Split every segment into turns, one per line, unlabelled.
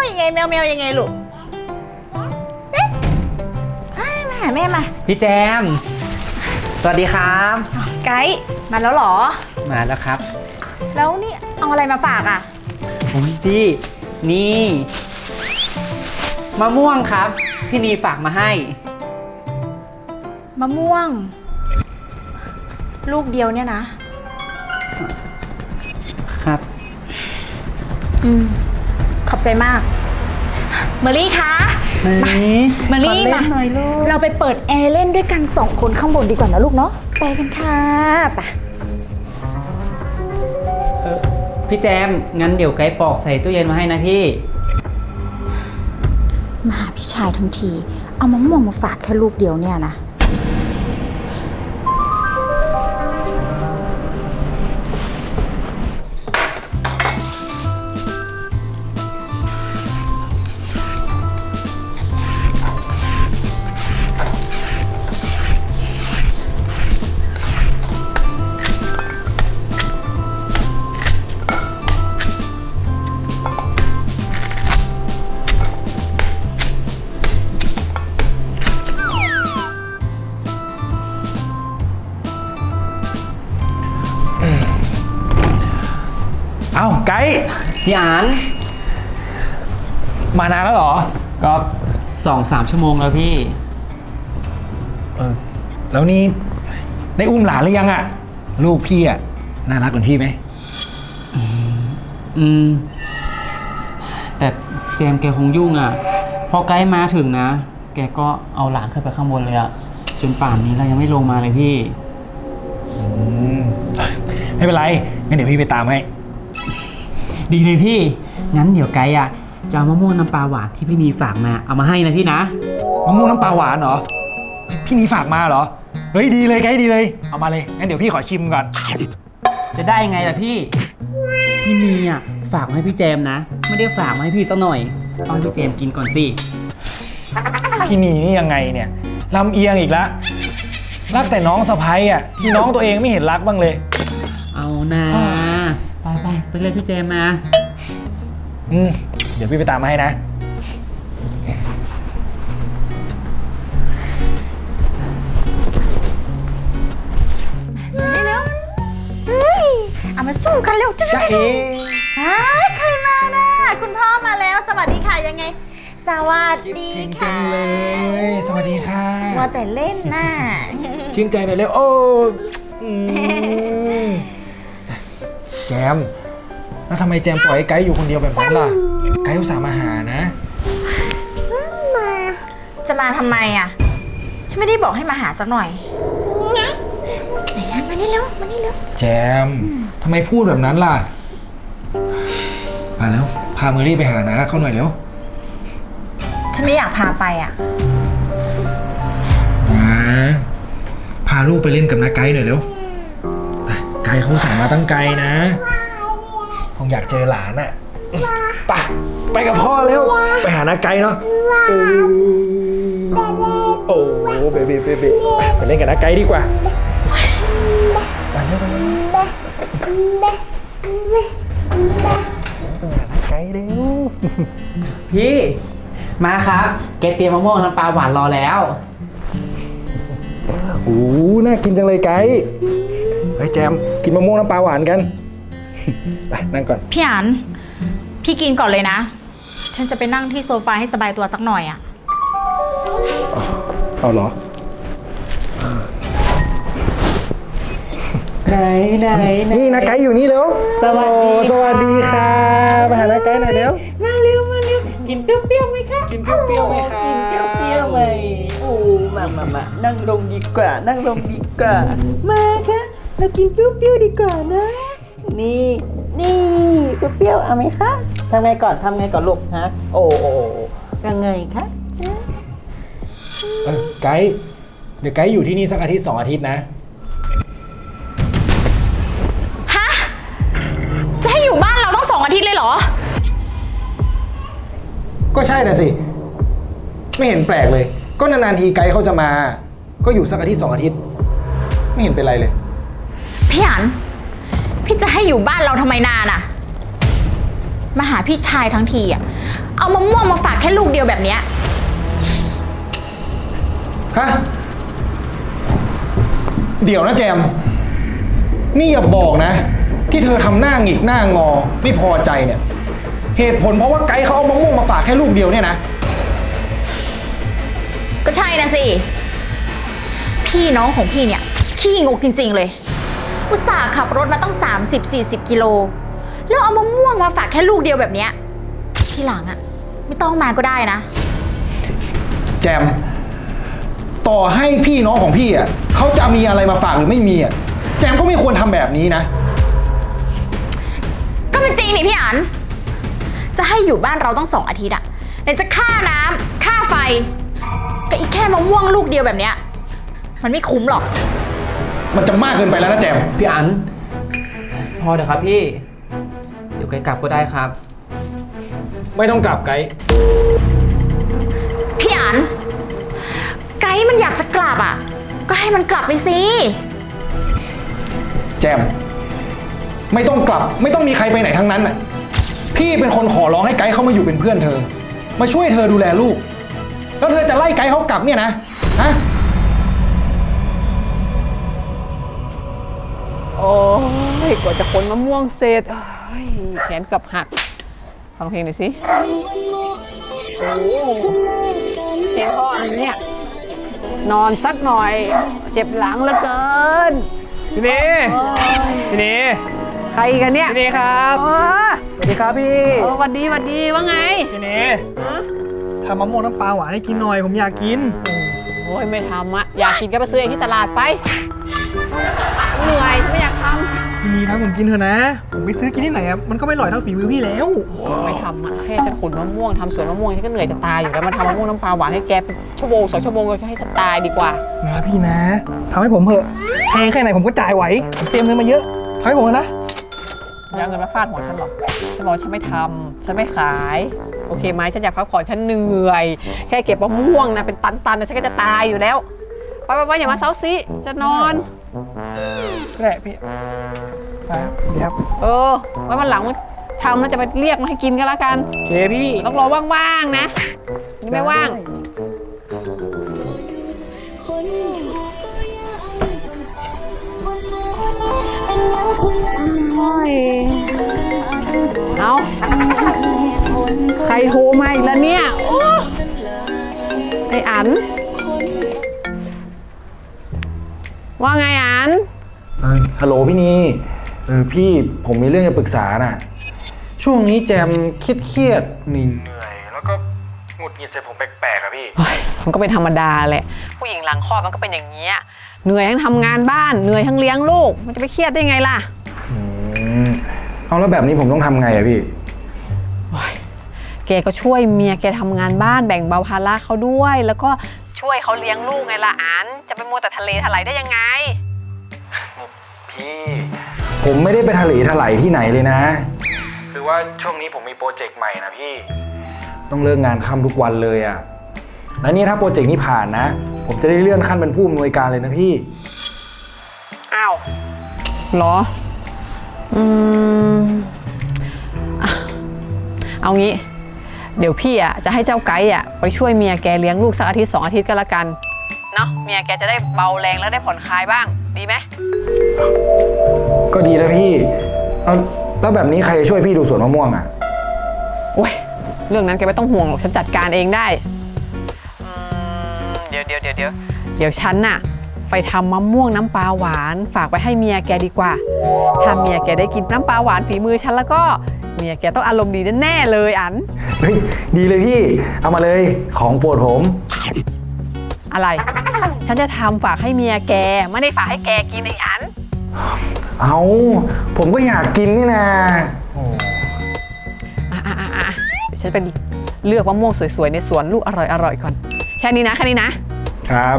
ยังไงแมวยังไงลูกเอ๊ะมาหาแม่มา
พี่แจมสวัสดีครับ
ไกด์มาแล้วเหรอ
มาแล้วครับ
แล้วนี่เอาอะไรมาฝากอ่ะ
โอ้ยพี่นี่มะม่วงครับพี่นีฝากมาให้
มะม่วงลูกเดียวเนี่ยนะ
ครับ
ขอบใจมากเมอรี่คะเมอรี่มาเราไปเปิดแอร์เล่นด้วยกัน2 คนข้างบนดีกว่านะลูกเนาะไปกันค่ะไป
พี่แจมงั้นเดี๋ยวไกด์ปอกใส่ตู้เย็นมาให้นะพี่
มาหาพี่ชายทั้งทีเอามะม่วงมาฝากแค่ลูกเดียวเนี่ยนะ
เอ้าไกด์
พี่อาน
มานานแล้วเหรอ
ก็2-3 ชั่วโมงแล้วพี่
แล้วนี่ได้อุ้มหลานหรือยังอะลูกพี่อะน่ารักกว่าพี่ไหม
แต่เจมแกคงยุ่งอ่ะพอไกด์มาถึงนะแกก็เอาหลานขึ้นไปข้างบนเลยอ่ะจนป่านนี้เรายังไม่ลงมาเลยพี่
ไม่เป็นไรงั้นเดี๋ยวพี่ไปตามให้
ดีเลยพี่งั้นเดี๋ยวไกด์อะจะเอามะม่วงน้ำปลาหวานที่พี่นีฝากมาเอามาให้นะพี่นะ
มะม่วงน้ำปลาหวานเหรอพี่นีฝากมาเหรอเฮ้ยดีเลยไกด์ดีเลยเอามาเลยงั้นเดี๋ยวพี่ขอชิมก่อน
จะได้ยังไงล่ะพี่นีอะฝากมาให้พี่แจมนะไม่ได้ฝากมาให้พี่สักหน่อยเอาให้พี่แจมกินก่อนสิ
พี่นีนี่ยังไงเนี่ยลำเอียงอีกแล้วรักแต่น้องสะใภ้อะที่น้องตัวเองไม่เห็นรักบ้างเลย
เอานะไปเรียกพี่แจมมา
เดี๋ยวพี่ไปตามมาให้นะ
เร็วเอามาสู้กันเร็ว
จ้าเอ๋
ใครมาน่ะคุณพ่อมาแล้วสวัสดีค่ะยังไงสวัสดีค่ะ
จังเลยสวัสดีค่ะ
ว่าแต่เล่นน่ะ
ชื่นใจหน่อยเร็วโอ้แจมแล้วทำไมแจมปล่อยให้ไกด์อยู่คนเดียวแบบนั้นล่ะไกด์อุตส่าห์มาหานะ
จะมาทำไมอ่ะฉันไม่ได้บอกให้มาหาสักหน่อยไหนกันมานี่เร็ว
แจมทำไมพูดแบบนั้นล่ะมาแล้วพาเมอรี่ไปหานะเขาหน่อยเร็ว
ฉันไม่อยากพาไปอ่ะ
พาลูกไปเล่นกับน้าไกด์หน่อยเร็วไกด์เขาสั่งมาตั้งไกลนะคงอยากเจอหลานอ่ะไปกับพ่อเร็วไปหาน้าไกด์เนาะโอ้เบบีไปเล่นกับน้าไกด์ดีกว่าไปเร็วหาน้าไกด์เร็ว
พี่มาครับแกเตรียมมะม่วงน้ำปลาหวานรอแล้ว
โอ้น่ากินจังเลยไกด์เฮ้ยแจมกินมะม่วงน้ำปลาหวานกันไปนั่งก่อน
พี่อันพี่กินก่อนเลยนะฉันจะไปนั่งที่โซฟาให้สบายตัวสักหน่อยอ่ะ
เอาเหรอ
ไหน
นี่นะไกด์อยู่นี่เร็วสวัสดีค่ะไปหานะไกด์หน่อยเร็ว
มาเร็วกินเปรี้ยวไหมคะ
กินเปรี้ยวไหมคะ
กินเปรี้ยวไหมโอ้มานั่งลงดีกว่ามาค่ะเรากินเปรี้ยวดีกว่านะนี่เปรี้ยวเอาไหมคะทำไงก่อนลูกฮะโอ้ยังไงคะ
ไกด์เดี๋ยวไกด์อยู่ที่นี่สักอาทิตย์2 อาทิตย์นะ
ฮะจะให้อยู่บ้านเราต้อง2 อาทิตย์เลยเหรอ
ก็ใช่นะสิไม่เห็นแปลกเลยก็นานๆทีไกด์เขาจะมาก็อยู่สักอาทิตย์2 อาทิตย์ไม่เห็นเป็นไรเลย
พี่อันพี่จะให้อยู่บ้านเราทำไมนานอ่ะ
มาหาพี่ชายทั้งทีอ่ะเอามะม่วงมาฝากแค่ลูกเดียวแบบเนี้ย
ฮะ เดี๋ยวนะแจม นี่อย่าบอกนะ ที่เธอทำหน้าหงิกหน้างอไม่พอใจเนี่ย เหตุผลเพราะว่าไกด์เขาเอามะม่วงมาฝากแค่ลูกเดียวเนี่ยนะ
ก็ใช่นะสิพี่น้องของพี่เนี่ยขี้งกจริงๆเลยอุตส่าห์ขับรถมาต้อง30-40 กิโลแล้วเอามะม่วงมาฝากแค่ลูกเดียวแบบเนี้ยที่หลังอ่ะไม่ต้องมาก็ได้นะ
แจม ต่อให้พี่น้องของพี่อ่ะเขาจะมีอะไรมาฝากหรือไม่มีอ่ะแจมก็ไม่ควรทำแบบนี้นะ
ก็เป็นจริงนี่พี่อันจะให้อยู่บ้านเราต้อง2 อาทิตย์อะไหนจะค่าน้ำค่าไฟก็อีกแค่มะม่วงลูกเดียวแบบเนี้ยมันไม่คุ้มหรอก
มันจะมากเกินไปแล้วนะแจม
พี่อันพอเถอะครับพี่ เดี๋ยวไกลกลับก็ได้ครับ
ไม่ต้องกลับไกด์
พี่อันไกด์มันอยากจะกลับอะก็ให้มันกลับไปสิ
แจม ไม่ต้องกลับ ไม่ต้องมีใครไปไหนทั้งนั้นน่ะพี่เป็นคนขอร้องให้ไกด์เขามาอยู่เป็นเพื่อนเธอ มาช่วยเธอดูแลลูก แล้วเธอจะไล่ไกด์เขากลับเนี่ยนะฮะ
โอ้ยกว่าจะขนมะม่วงเสร็จโอ้ยแขนเกับหักฟังเพลงหน่อยสิโอ้เพลงพ่ออะไรเนี่ยนอนสักหน่อยเจ็บหลังเหลือเกิน
พี่เนพี่เน
ใครกันเนี่ย
พี่เนครับ
อ๋อ
สวัสดีครับพี่
หวัดดีว่าไง
พี่เน
ฮะ
ทำมะม่วงน้ำปลาหวานให้กินหน่อยผมอยากกิน
โอ้ยไม่ทำอะอยากกินก็ไปซื้อเองที่ตลาดไปเหนื่อยไม่อยากท
พี่นีทำผมกินเถอะนะ ผมไปซื้อกินที่ไหนอ่ะมันก็ไม่อร่อยเท่าฝีมือพี่แล้ว
ำไม่ทำอะแค่ฉันขนมะม่วงทำสวนมะม่วงฉันก็เหนื่อยจะตายอยู่แล้วมาทำมะม่วงน้ำปลาหวานให้แกเป็นชั่วโมง2 ชั่วโมงก็ให้ฉันตายดีกว่า
นะพี่นะทำให้ผมเถอะแพงแค่ไหนผมก็จ่ายไหวผมเตรียมเงินมาเยอะทำให้ผมเถอะนะ
อย่าเอาเงินมาฟาดหัวฉันหรอกฉันบอกว่าฉันไม่ทำฉันไม่ขาย โอเคไหมฉันอยากพักผ่อนฉันเหนื่อย แค่เก็บมะม่วงนะเป็นตันๆนะฉันก็จะตายอยู่แล้ว ไปอย่ามาเซาซีจะนอน
แหละพี่ไปเดี๋ยว
ไว้วันหลังมันทำแล้วจะไปเรียกมาให้กินก็แล้วกัน
โอเคพี่
ต้องรอว่างๆนะนี่ไม่ว่าง เอาใครโทรมาอีกแล้วเนี่ยโอ้ไออัน ว่าไงอัน
ฮัลโหลพี่นีพี่ผมมีเรื่องจะปรึกษาน่ะช่วงนี้แจมเครียดเหนื่อยแล้วก็หงุดหงิดใส่ผมแปลกๆอะพี่
มันก็เป็นธรรมดาแหละ ผู้หญิงหลังคลอดมันก็เป็นอย่างนี้ยเหนื่อยทั้งทำงานบ้านเหนื่อยทั้งเลี้ยงลูกมันจะไปเครียดได้ไงล่ะ
เอาแล้วแบบนี้ผมต้องทำไงอะพี่
แกก็ช่วยเมียแกทำงานบ้านแบ่งเบาภาระเขาด้วย แล้วก็ช่วยเขาเลี้ยงลูกไงล่ะอันจะไปมัวแต่ทะเลถลายได้ยังไง
พี่ผมไม่ได้ไปทะเลถลายที่ไหนเลยนะ คือว่าช่วงนี้ผมมีโปรเจกต์ใหม่นะพี่ต้องเลิกงานค่ำทุกวันเลยอะแล้วนี่ถ้าโปรเจกต์นี้ผ่านนะผมจะได้เลื่อนขั้นเป็นผู้อำนวยการเลยนะพี่
อ้าวเหรออ่ะเอางี้ เดี๋ยวพี่อ่ะจะให้เจ้าไก่อ่ะไปช่วยเมียแกเลี้ยงลูกสักอาทิตย์2 อาทิตย์ก็แล้วกันเนาะเมียแกจะได้เบาแรงแล้วได้ผ่อนคลายบ้างดีไหม
ก็ดีนะพี่เอาแล้วแบบนี้ใครจะช่วยพี่ดูสวนมะม่วงอะ
โอ้ยเรื่องนั้นแกไม่ต้องห่วงหรอกฉันจัดการเองได้เดี๋ยวฉันน่ะไปทำมะม่วงน้ำปลาหวานฝากไปให้เมียแกดีกว่าถ้าเมียแกได้กินน้ำปลาหวานฝีมือฉันแล้วก็เมียแกต้องอารมณ์ดีแน่ๆเลยอัน
เฮ้ยดีเลยพี่เอามาเลยของโปรดผม
อะไร ฉันจะทำฝากให้เมียแกไม่ได้ฝากให้แกกินไอ้อัน
เอาผมก็อยากกินนี่นะ
เดี๋ยวฉันไปเลือกมะม่วงสวยๆในสวนลูกอร่อยๆก่อนแค่นี้นะครับ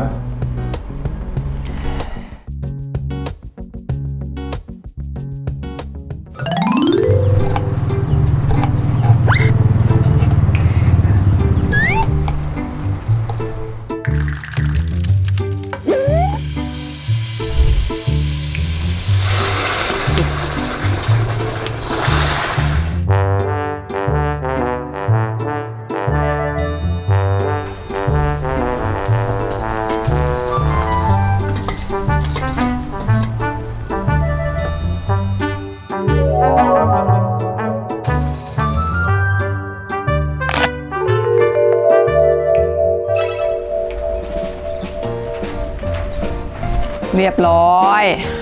เรียบร้อย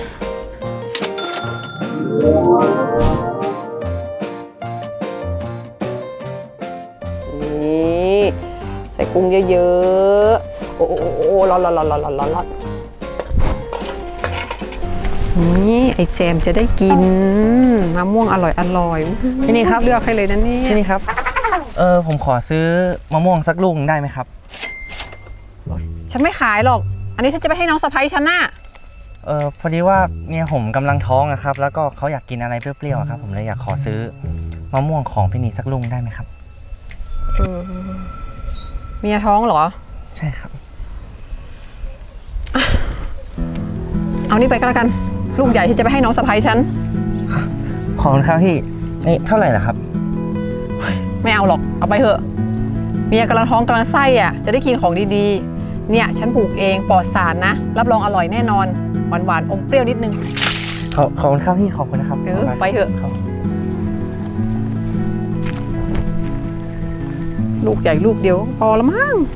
นี่ใส่กุ้งเยอะๆโอ้โหร้อนนี่ไอแจมจะได้กินมะม่วงอร่อยๆ
นี่ครับ
เลือกให้เลยนะเนี่ย
ที่นี่ครับ ผมขอซื้อมะม่วงสักลูกหนึ่งได้ไหมครับ
ฉันไม่ขายหรอก อันนี้ฉันจะไปให้น้องสะใภ้ฉันน่ะ
พอดีว่าเมียผมกำลังท้องอะครับ แล้วก็เขาอยากกินอะไรเปรี้ยวๆอะครับ ผมเลยอยากขอซื้อมะม่วงของพี่นีสักลูกได้ไหมครับ
เมียท้องเหรอ
ใช่ครับ
เอานี่ไปก็แล้วกัน ลูกใหญ่ที่จะไปให้น้องสะใภ้ฉัน
ขอบคุณครับพี่นี่เท่าไหร่ล่ะครับ
ไม่เอาหรอก เอาไปเถอะ เมียกำลังท้องกำลังไส้อ่ะ จะได้กินของดีๆ เนี่ยฉันปลูกเองปลอดสารนะ รับรองอร่อยแน่นอน หวานๆ อมเปรี้ยวนิดนึง
ขอบคุณครับพี่ ขอบคุณนะครับ
ไปเถอะ
ครับ
ลูกใหญ่ลูกเดียวพอละมั้ง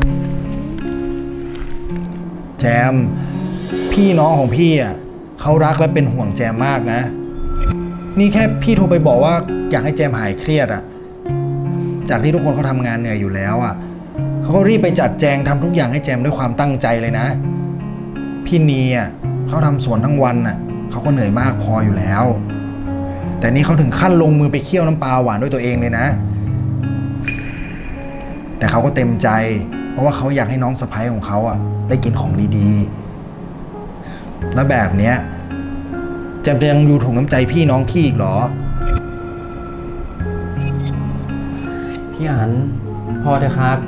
แจม พี่น้องของพี่อ่ะเขารักและเป็นห่วงแจมมากนะ นี่แค่พี่โทรไปบอกว่าอยากให้แจมหายเครียดอ่ะ จากที่ทุกคนเขาทำงานเหนื่อยอยู่แล้วอ่ะเขาก็รีบไปจัดแจงทำทุกอย่างให้แจมด้วยความตั้งใจเลยนะ พี่นีอ่ะเขาทำสวนทั้งวันอ่ะเขาก็เหนื่อยมากพออยู่แล้ว แต่นี่เขาถึงขั้นลงมือไปเคี่ยวน้ำปลาหวานด้วยตัวเองเลยนะ แต่เขาก็เต็มใจ เพราะว่าเขาอยากให้น้องสะใภ้ของเขาอ่ะได้กินของดีๆ แล้วแบบเนี้ยแจมจะยังอยู่ถุงน้ำใจพี่น้องขี้อีกเหรอ
พี่อันพอเถอะครับ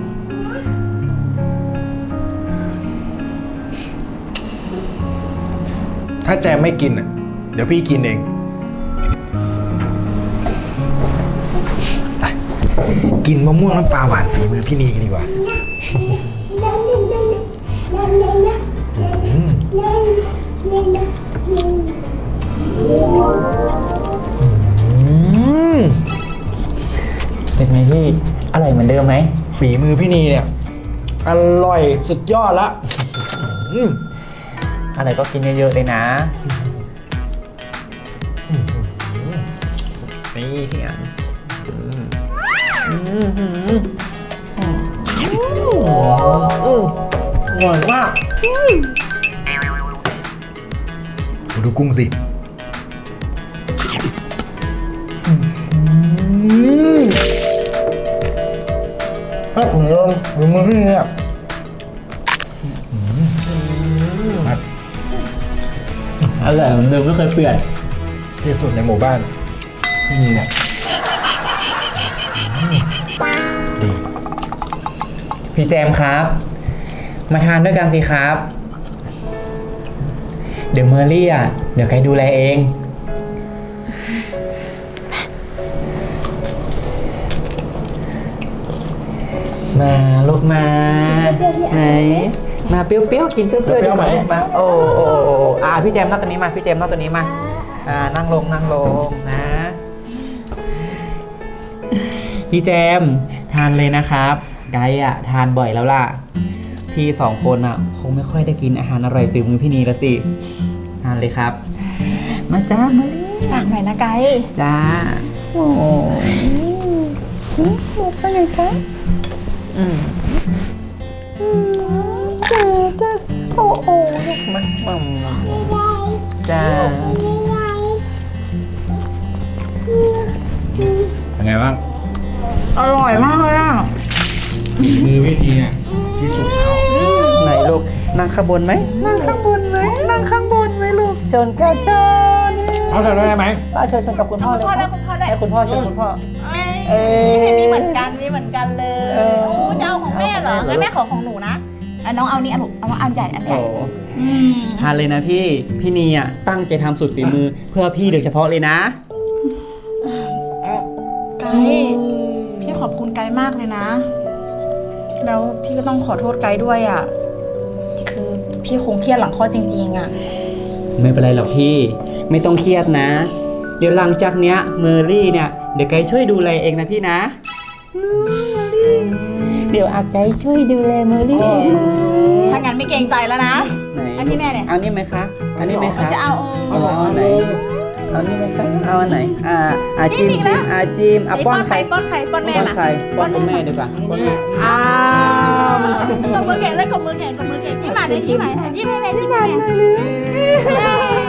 ถ้าแจมไม่กินอ่ะเดี๋ยวพี่กินเองไปกินมะม่วงน้ำปลาหวานฝีมือพี่นีกันดีกว่า
เป็นไงพี่อร่อยเหมือนเดิมไหม
ฝีมือพี่นีเนี่ยอร่อยสุดยอดละ
อะไรก็กินเยอะๆเลยนะ นี่พี่อันอร่อยมาก
ดูกุ้งสิถ้าผมลองฝีมือพี่นีเนี่ยมา
อร่อยเหมือนเดิมไม่เคยเปลี่ยน
ที่สุดในหมู่บ้านพี่นีเนี่ยดี
พี่แจมครับ มาทานด้วยกันสิครับ เดี๋ยวเมอรี่อ่ะเดี๋ยวไกดูแลเอง มาลูกมาไหนมาเปรี้ยวๆกินเปรี้ยวๆ
เปรี้ยวไหม
มาโอ้พี่แจมนั่งตัวนี้มาพี่แจมนั่งตัวนี้มานั่งลงนะ พี่แจมทานเลยนะครับไกด์อ่ะทานบ่อยแล้วล่ะพี่สองคนอ่ะคงไม่ค่อยได้กินอาหารอร่อยฝีมือพี่นีละสิทานเลยครับ มาจ้ามาเลย
ฝากหน่อยนะไกด์
จ้าโอ้ยเป็นไงคะจ้าโอ้ลูกมาจ้า
เป็นไงบ้าง
อร่อยมากเลยอ่ะ
มือพี่นีเนี่ยที่สุดแล้ว
ไหนลูกนั่งข้างบนไหมนั่งข้างบนไหมลูกเชิญค่ะเชิญ
เอาทำได้ไหม
เชิญกับคุณพ่อเลย
พ่อได้คุณพ่อได้
ให้คุณพ่อเชิญคุณพ่อ
มีเหมือนกันเลย
เออ
โอ้จะเอาของแม่เหรองั้นแม่ขอของหนูนะน้องเอานี่เอาอันใหญ่
โอ้ทานเลยนะพี่นีอ่ะตั้งใจทำสุดฝีมือเพื่อพี่โดยเฉพาะเลยนะ
ไกด์พี่ขอบคุณไกด์มากเลยนะ แล้วพี่ก็ต้องขอโทษไกด์ด้วยอ่ะ คือพี่คงเครียดหลังคลอดจริงๆอ่ะ
ไม่เป็นไรหรอกพี่ไม่ต้องเครียดนะ เดี๋ยวหลังจากเนี้ยเมอรี่เนี่ยเดี๋ยวไกด์ช่วยดูแลเองนะพี่นะเดี๋ยวอาไกด์ช่วยดูแลเมอรี่เอง
ถ้างั้นไม่เกรงใจแล้วนะ
ไหน
อันนี้แม่เนี่ย
เอานี่ไหมคะอันนี้ไหมคะ
จะเอา
เอาอันไหนเอานี่ไหมคะเอาอันไหนจิ้ม
จิ้มอีกแล้ว
จิ้มป้อนใคร
ป้อนใครป้อนแม่
ป้อน
มา
ใครป้อนคุณแม่ดีกว่าป้อนแม่
อ้าวกบมือแก่เลยกบมือแก่ยิ้มหวานเลยยิ้มหวานยิ้มให้แม่ยิ้มให้แม่